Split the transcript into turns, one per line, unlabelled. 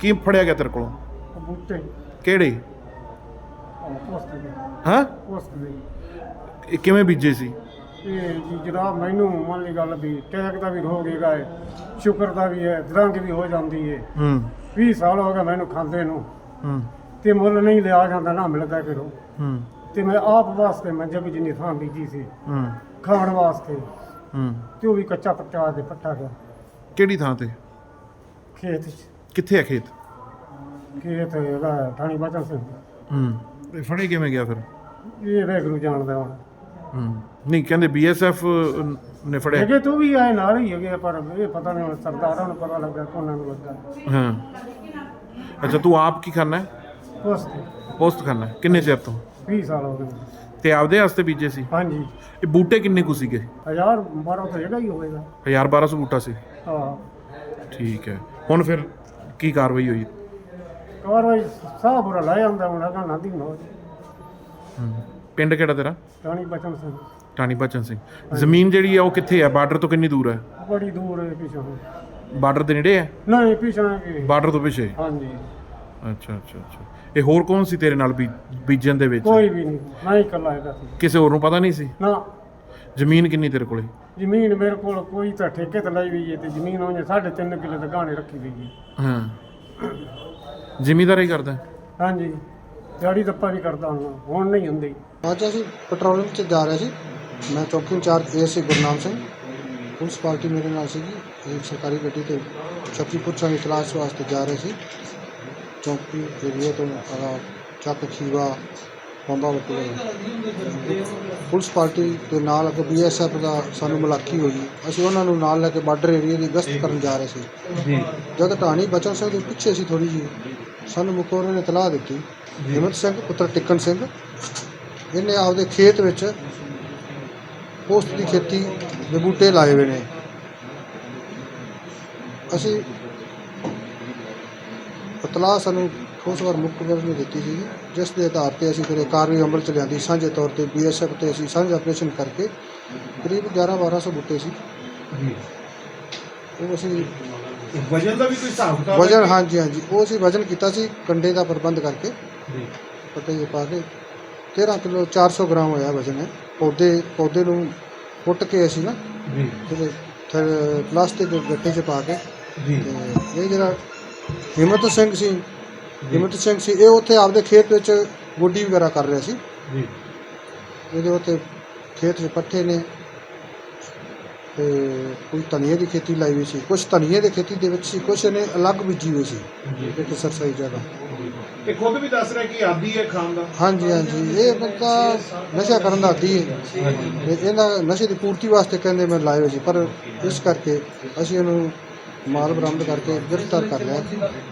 ਕੀ ਫੜਿਆ ਗਿਆ ਤੇਰੇ ਕੋਲੋਂ?
ਬੂਟੇ
ਕਿਹੜੇ?
ਪੋਸਟ ਦੇ
ਹਾਂ,
ਪੋਸਟ ਦੇ
ਇਹ ਕਿਵੇਂ ਬੀਜੇ ਸੀ?
ਇਹ ਜੀ ਜਨਾਬ ਮੈਨੂੰ ਮੰਨ ਲਈ ਗੱਲ ਵੀ ਟੈਕ ਦਾ ਵੀ ਹੋ ਗਿਆ ਹੈ, ਸ਼ੁਕਰ ਦਾ ਵੀ ਹੈ, ਦਰੰਗ ਵੀ ਹੋ ਜਾਂਦੀ ਹੈ। 20 ਸਾਲ ਹੋ ਗਏ ਮੈਨੂੰ ਖਾਂਦੇ ਨੂੰ ਤੇ ਮੁੱਲ ਨਹੀਂ ਲਿਆ ਜਾਂਦਾ ਨਾ ਮਿਲਦਾ ਕਿਰੋ। ਤੇ ਮੈਂ ਆਪ ਵਾਸਤੇ ਮੰਜੇ ਵੀ ਜਿੰਨੀ ਥਾਂ ਬੀਜੀ ਸੀ ਖਾਣ ਵਾਸਤੇ ਤੇ ਉਹ ਵੀ ਕੱਚਾ ਪੱਟਾ ਦੇ ਪੱਟਾ ਗਿਆ।
ਕਿਹੜੀ ਥਾਂ ਤੇ?
ਖੇਤ 'ਚ।
ਕਿੱਥੇ ਹੈ ਖੇਤ?
ਖੇਤ ਹੈਗਾ ਥਾਣੀ ਬਚਨ ਸਿੰਘ।
ਇਹ ਫੜੇ ਕਿਵੇਂ ਗਿਆ ਫਿਰ?
ਇਹ ਵੈਗਰੂ ਜਾਣਦਾ ਹੁਣ।
ਨਹੀਂ ਕਹਿੰਦੇ BSF ਨੇ ਫੜਿਆ।
ਹੈਗੇ ਤੂੰ ਵੀ ਆਏ ਨਾਲ ਹੀ ਹੈਗੇ ਪਰ ਇਹ ਪਤਾ ਨਹੀਂ ਹੁਣ ਸਰਦਾਰਾਂ ਨੂੰ ਪਤਾ ਲੱਗਾ ਕੋਨਾਂ ਨੂੰ ਲੱਗਾ।
ਹਾਂ, ਅੱਛਾ ਤੂੰ ਆਪ ਕੀ ਕਰਨਾ ਹੈ? ਪੋਸਟ ਕਰਨਾ ਹੈ। ਕਿੰਨੇ ਚਿਰ ਤੋਂ?
20 ਸਾਲ ਹੋ ਗਏ।
ਤੇ ਆਪਦੇ ਵਾਸਤੇ ਬੀਜੇ ਸੀ?
ਹਾਂਜੀ।
ਇਹ ਬੂਟੇ ਕਿੰਨੇ ਕੁ ਸੀਗੇ?
1012 ਤਾਂ ਹੈਗਾ ਹੀ ਹੋਵੇਗਾ।
1200 ਬੂਟਾ ਸੀ?
ਹਾਂ।
ਠੀਕ ਹੈ। ਹੁਣ ਫਿਰ ਕੀ ਕਾਰਵਾਈ ਹੋਈ?
ਕਾਰਵਾਈ ਸਾਹ ਬੁਰਾ ਲੈ ਜਾਂਦਾ ਹੁਣ ਹੈਗਾ ਨਾਂਦੀ ਨੋ।
ਪਿੰਡ ਕਿਹੜਾ ਤੇਰਾ?
ਟਾਣੀ ਬਚਨ ਸਿੰਘ।
ਟਾਣੀ ਬਚਨ ਸਿੰਘ। ਜ਼ਮੀਨ ਜਿਹੜੀ ਆ ਉਹ ਕਿੱਥੇ ਹੈ? ਬਾਰਡਰ ਤੋਂ ਕਿੰਨੀ ਦੂਰ ਹੈ?
ਬੜੀ ਦੂਰ ਹੈ ਪਿੱਛੋਂ।
ਬਾਰਡਰ ਦੇ ਨੇੜੇ ਹੈ?
ਨਹੀਂ ਪਿੱਛੋਂ ਹੈ।
ਬਾਰਡਰ ਤੋਂ ਪਿੱਛੇ?
ਹਾਂਜੀ।
ਅੱਛਾ ਅੱਛਾ ਅੱਛਾ। ਇਹ ਹੋਰ ਕੌਣ ਸੀ ਤੇਰੇ ਨਾਲ ਬੀਜਣ ਦੇ ਵਿੱਚ?
ਕੋਈ ਵੀ ਨਹੀਂ, ਮੈਂ ਹੀ ਇਕੱਲਾ ਹੈਗਾ ਸੀ।
ਕਿਸੇ ਹੋਰ ਨੂੰ ਪਤਾ ਨਹੀਂ ਸੀ?
ਨਾ।
ਜ਼ਮੀਨ ਕਿੰਨੀ ਤੇਰੇ ਕੋਲੇ?
ਜ਼ਮੀਨ ਮੇਰੇ ਕੋਲ ਕੋਈ ਤਾਂ ਠੇਕੇ ਤੇ ਲਈ ਹੋਈ ਹੈ ਤੇ ਜ਼ਮੀਨ ਉਹਨੇ 3.5 ਕਿੱਲੇ ਤੇ ਗਾਣੇ ਰੱਖੀ ਹੋਈ ਹੈ।
ਹਾਂ, ਜ਼ਿਮੀਂਦਾਰੀ ਕਰਦਾ?
ਹਾਂਜੀ, ਦਿਹਾੜੀ ਦੱਪਾ ਵੀ ਕਰਦਾ ਹੁਣ ਨਹੀਂ ਹੁੰਦੀ।
ਅੱਜ ਅਸੀਂ ਪੈਟਰੋਲਿੰਗ 'ਚ ਜਾ ਰਹੇ ਸੀ। ਮੈਂ ਚੌਕੀ incharge ASI Gurnam Singh. Police party ਮੇਰੇ ਨਾਲ ਸੀਗੀ। ਇੱਕ ਸਰਕਾਰੀ ਗੱਡੀ ਤੇ ਸ਼ਕਤੀਪੁਰ ਸੰਗ ਤਲਾਸ਼ ਵਾਸਤੇ ਜਾ ਰਹੇ ਸੀ। ਚੌਕੀ ਏਰੀਏ ਤੋਂ ਚੱਕ ਖੀਵਾ ਪੌਂਦਾ ਲੱਗੇ। ਪੁਲਿਸ ਪਾਰਟੀ ਦੇ ਨਾਲ ਅੱਗੇ BSF ਦਾ ਸਾਨੂੰ ਮੁਲਾਕੀ ਹੋਈ। ਅਸੀਂ ਉਹਨਾਂ ਨੂੰ ਨਾਲ ਲੈ ਕੇ ਬਾਰਡਰ ਏਰੀਏ ਦੀ ਗਸ਼ਤ ਕਰਨ ਜਾ ਰਹੇ ਸੀ। ਜਦ ਢਾਣੀ ਬਚਨ ਸਿੰਘ ਦੇ ਪਿੱਛੇ ਸੀ ਥੋੜ੍ਹੀ ਜਿਹੀ, ਸਾਨੂੰ ਮੁਖਬਰ ਨੇ ਇਤਲਾਹ ਦਿੱਤੀ ਹਿੰਮਤ ਸਿੰਘ ਪੁੱਤਰ ਟਿੱਕਣ ਸਿੰਘ ਇਹਨੇ ਆਪਦੇ ਖੇਤ ਵਿੱਚ ਪੋਸਤ ਦੀ ਖੇਤੀ ਦੇ ਬੂਟੇ ਲਾਏ ਹੋਏ ਨੇ। ਅਸੀਂ ਇਤਲਾਹ ਸਾਨੂੰ ਉਸ ਵਾਰ ਮੁਖਬਰ ਨੇ ਦਿੱਤੀ ਸੀ, ਜਿਸ ਦੇ ਆਧਾਰ 'ਤੇ ਅਸੀਂ ਫਿਰ ਕਾਰਵਾਈ ਅਮਲ 'ਚ ਲਿਆਂਦੀ। ਸਾਂਝੇ ਤੌਰ 'ਤੇ BSF 'ਤੇ ਅਸੀਂ ਸਾਂਝਾ ਆਪਰੇਸ਼ਨ ਕਰਕੇ ਕਰੀਬ 1100-1200 ਬੂਟੇ ਸੀ। ਉਹ ਅਸੀਂ
ਵਜਨ ਦਾ ਵੀ ਕੋਈ ਹਿਸਾਬ ਕਿਤਾਬ?
ਵਜਨ ਹਾਂਜੀ ਉਹ ਅਸੀਂ ਵਜਨ ਕੀਤਾ ਸੀ ਕੰਡੇ ਦਾ ਪ੍ਰਬੰਧ ਕਰਕੇ ਪੱਟੇ 'ਚ ਪਾ ਕੇ 13 ਕਿਲੋ 400 ਗ੍ਰਾਮ ਹੋਇਆ ਵਜਨ ਹੈ। ਪੌਦੇ ਨੂੰ ਪੁੱਟ ਕੇ ਅਸੀਂ ਨਾ ਫਿਰ ਪਲਾਸਟਿਕ ਦੇ ਗੱਟੇ 'ਚ ਪਾ ਕੇ ਇਹ ਜਿਹੜਾ ਹਿੰਮਤ ਸਿੰਘ ਸੀ ਇਹ ਉੱਥੇ ਆਪਦੇ ਖੇਤ ਵਿੱਚ ਗੋਡੀ ਵਗੈਰਾ ਕਰ ਰਿਹਾ ਸੀ। ਇਹਦੇ ਉੱਤੇ ਖੇਤ 'ਚ ਪੱਠੇ ਨੇ ਤੇ ਕੋਈ ਧਨੀਏ ਦੀ ਖੇਤੀ ਲਾਈ ਹੋਈ ਸੀ, ਕੁਛ ਧਨੀਏ ਦੀ ਖੇਤੀ ਦੇ ਵਿੱਚ ਸੀ, ਕੁਛ ਇਹਨੇ ਅਲੱਗ ਬੀਜੀ ਹੋਈ ਸੀ ਇੱਕ ਸਰਸਾਈ ਜਗ੍ਹਾ।
ਇਹ ਖੁਦ ਵੀ ਦੱਸ ਰਿਹਾ ਕਿ ਆਦੀ ਹੈ ਖਾਣ ਦਾ?
ਹਾਂਜੀ ਇਹ ਬੰਦਾ ਨਸ਼ਾ ਕਰਨ ਦਾ ਆਦੀ ਹੈ ਤੇ ਇਹਦਾ ਨਸ਼ੇ ਦੀ ਪੂਰਤੀ ਵਾਸਤੇ ਕਹਿੰਦੇ ਮੈਂ ਲਾਏ ਹੋਏ ਸੀ, ਪਰ ਇਸ ਕਰਕੇ ਅਸੀਂ ਇਹਨੂੰ ਮਾਲ ਬਰਾਮਦ ਕਰਕੇ ਗ੍ਰਿਫਤਾਰ ਕਰ ਲਿਆ।